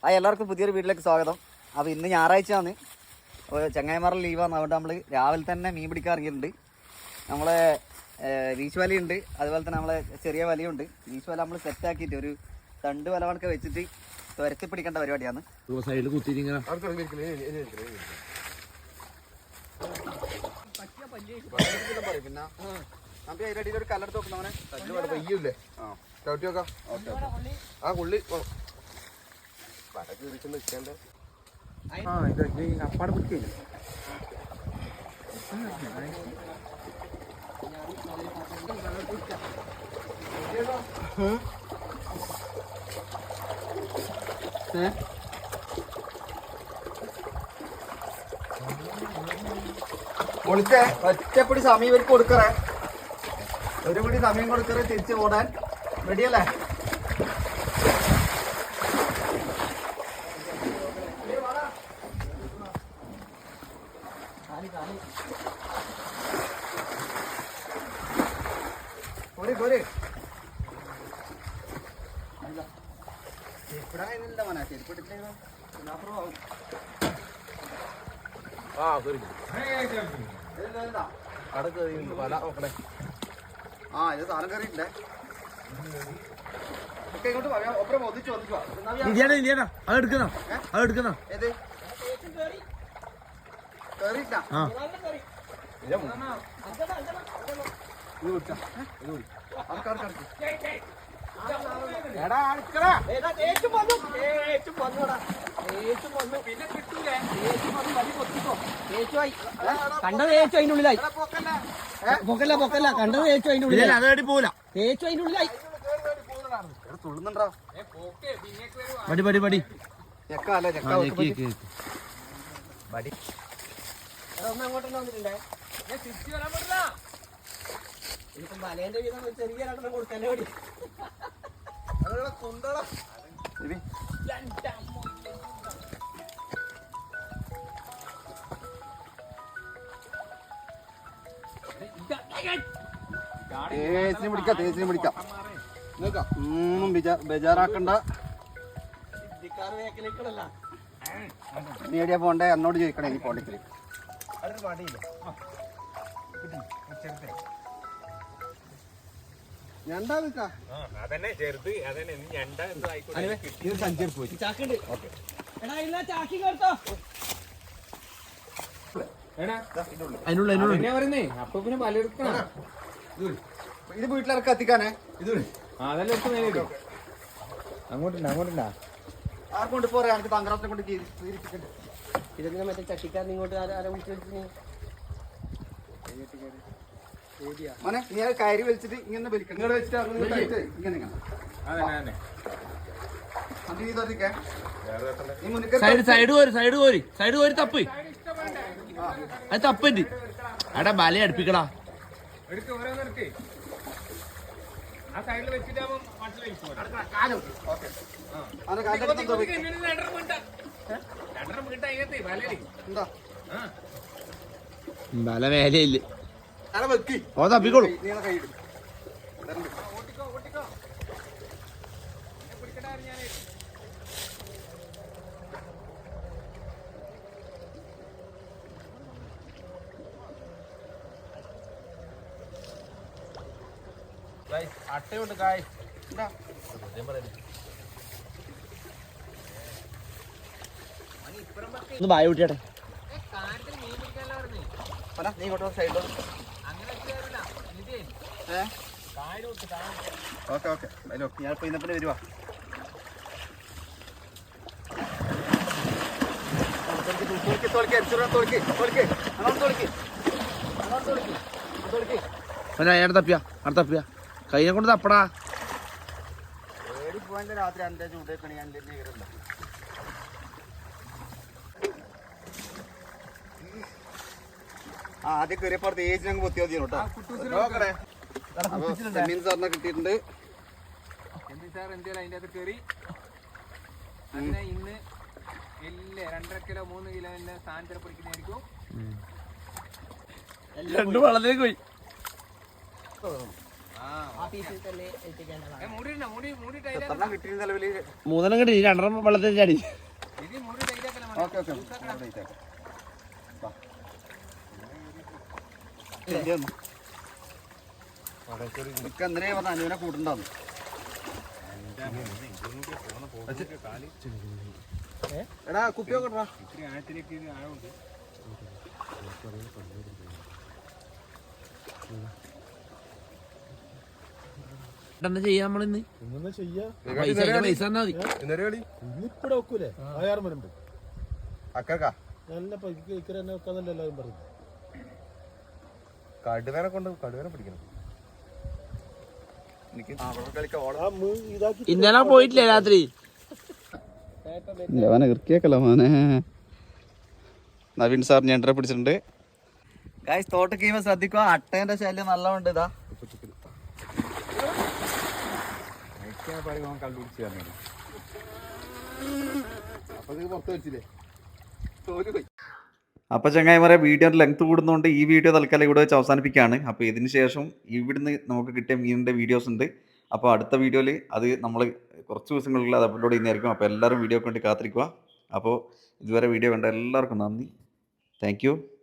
എല്ലാവർക്കും പുതിയൊരു വീട്ടിലേക്ക് സ്വാഗതം. അപ്പോൾ ഇന്ന് ഞായറാഴ്ചയാണ്, ചങ്ങായിമാരുടെ ലീവാണ്. അതുകൊണ്ട് നമ്മൾ രാവിലെ തന്നെ മീൻ പിടിക്കാൻ ഇറങ്ങിയിട്ടുണ്ട്. നമ്മളെ വീശ് വലയുണ്ട്, അതുപോലെ തന്നെ നമ്മളെ ചെറിയ വലയുണ്ട്. വീശ് വല നമ്മൾ സെറ്റാക്കിയിട്ട് ഒരു തണ്ട് വല കണക്ക് വെച്ചിട്ട് തുരത്തി പിടിക്കേണ്ട പരിപാടിയാണ്. സൈഡിൽ കുത്തിരിങ്ങനെ പിന്നെ നമുക്ക് അതിൻ്റെ അടിയിൽ ഒരു കല്ലെടുത്ത് നോക്കുന്നവനെ പയ്യല്ലേ ചവിട്ടി നോക്കാം. ആ കൊള്ളി നിൽക്കേണ്ട അപ്പാടെ പിടിക്കില്ല. ഒളിച്ചേ ഒറ്റപ്പടി സമയം ഇവർക്ക് കൊടുക്കറേ, ഒരു പിടി സമയം കൊടുക്കറേ തിരിച്ച് ഓടാൻ. റെഡിയല്ലേ? പോരെ ചെരുപ്പിടാനില്ല മോനെ, ചെരുപ്പിട്ടില്ല. ഇത് സാധനം കയറിയിട്ടില്ലേ? ഒക്കെ ഇങ്ങോട്ട് ഒപ്പരം ഒന്നിച്ചു വന്നിക്കോ. ഏത് കയറിയില്ല? കണ്ടത് തേച്ചു അതിന്റെ ഉള്ളിലായി. പൊക്കല്ല കണ്ടത് തേച്ചു അതിന്റെ ഉള്ളിലായി. അതേടി പോല തേച്ചു അതിന്റെ ഉള്ളിലായി. തുള്ളുന്നുണ്ടോ? പടി അങ്ങോട്ടന്നെ വന്നിട്ടുണ്ടേ. ഇതിപ്പം വലേന്റെ വീതം ചെറിയ രണ്ടെണ്ണം കൊടുക്കല്ലേ പടി. തേച്ചിന് പിടിക്കാം. ഒന്നും ബേജാറാക്കണ്ട. നീ എവിടെയാ പോണ്ടേ? എന്നോട് ചോദിക്കണേ. നീ പോണ്ടിക്കല് ഇത് വീട്ടിലിറക്കി എത്തിക്കാനേ. അങ്ങോട്ടില്ല ആർക്കൊണ്ട് പോരാ? എനിക്ക് തങ്കറാത്തിനെ കൊണ്ട് ഇതെങ്ങനെ മറ്റേ ചട്ടിക്കാരൻ ഇങ്ങോട്ട് ആരെ വിളിച്ചു മോനെ, നീ അത് കയറി വലിച്ചിട്ട് ഇങ്ങനെ വലിക്കണം. ഇങ്ങനെ വെച്ചിട്ട് ഇങ്ങനെ സൈഡ് കോരി തപ്പ്. അത് തപ്പന്റ് അടാ ബല അടുപ്പിക്കടാ. ബല മേലയില്ല. ഓ തപ്പിക്കോളൂ. അട്ടയുണ്ട് കായ്. ഒന്ന് ബായ വിട്ടിട്ടെ. നീ ഇങ്ങോട്ടോ സൈഡോ. ഓക്കെ ഞാനിപ്പോ ഇന്നപ്പോ വരുവാ. തപ്പിയ കൈനെ കൊണ്ട് തപ്പടാ. രാത്രി എന്റെ ചൂടേക്കണി ഞാൻ വിവരമില്ല. ആദ്യം കയറിയപ്പോ തേച്ച് ഞങ്ങൾ പൊത്തി മതി കേട്ടോ. സാറിനെ കിട്ടിയിട്ടുണ്ട്. സാർ എന്തായാലും അതിൻ്റെ അകത്ത് കയറി അങ്ങനെ ഇന്ന് 2.5 കിലോ 3 കിലോ സ്ഥാനത്തിൽ പിടിക്കുന്നതായിരിക്കും. രണ്ടു വളത്തിലേക്ക് പോയി. ആ പീസിൽ തന്നെ എത്തിക്കേണ്ടതാണ്. മൂടിയിട്ട് എത്രണ്ണം കിട്ടിയ നിലവിൽ? 3 കിട്ടി 2 വെള്ളത്തിൽ ചാടി. ഇത് മൂടി ടൈറ്റാക്കല ഓക്കെ ഓക്കെ എന്തിനാ പറഞ്ഞ അനുവിനെ കൂട്ടുണ്ടാന്ന്. എടാ കുപ്പിയൊക്കെ ഇടറാ. ഇത്തിരി ആഴത്തിലേക്ക് ഇത് ആഴമുണ്ട്. എന്താ ചെയ്യാ നമ്മളിന്ന്? പൈസ തന്നാ മതി. എന്നൊരു കളി ഇന്നിപ്പടെ വെക്കൂലേ ആയാറും വരുമ്പോ അക്കക്കാ നല്ല പൈക്ക് തന്നെ വെക്കാന്നല്ല എല്ലാവരും പറയുന്നത്. കടുവേനെ കൊണ്ട് കടുവേനെ പിടിക്കണം. ആ ഇതാക്കി ഇന്നലെ പോയിട്ടില്ലേ രാത്രി? ഇറക്കിയേക്കല്ലോ മോനെ. നവീൻ സാർ ഞണ്ടരെ പിടിച്ചിട്ടുണ്ട്. ഗായ്സ് തോട്ടക്ക് ചെയ്യുമ്പോൾ ശ്രദ്ധിക്കുക, അട്ടേന്റെ ശല്യം നല്ലതുണ്ട്. ഇതാ പുറത്ത് വെച്ചില്ലേ? അപ്പോൾ ചങ്ങായിമാരെ വീഡിയോയുടെ ലെങ്ത് കൂടുന്നതുകൊണ്ട് ഈ വീഡിയോ തൽക്കാലം ഇവിടെ വെച്ച് അവസാനിപ്പിക്കുകയാണ്. അപ്പോൾ ഇതിന് ശേഷം ഇവിടുന്ന് നമുക്ക് കിട്ടിയ മീനിൻ്റെ വീഡിയോസ് ഉണ്ട്. അപ്പോൾ അടുത്ത വീഡിയോയിൽ അത് നമ്മൾ കുറച്ച് ദിവസങ്ങളിൽ അത് അപ്ലോഡ് ചെയ്യുന്നതായിരിക്കും. അപ്പോൾ എല്ലാവരും വീഡിയോക്ക് വേണ്ടി കാത്തിരിക്കുക. അപ്പോൾ ഇതുവരെ വീഡിയോ കണ്ട എല്ലാവർക്കും നന്ദി. Thank U.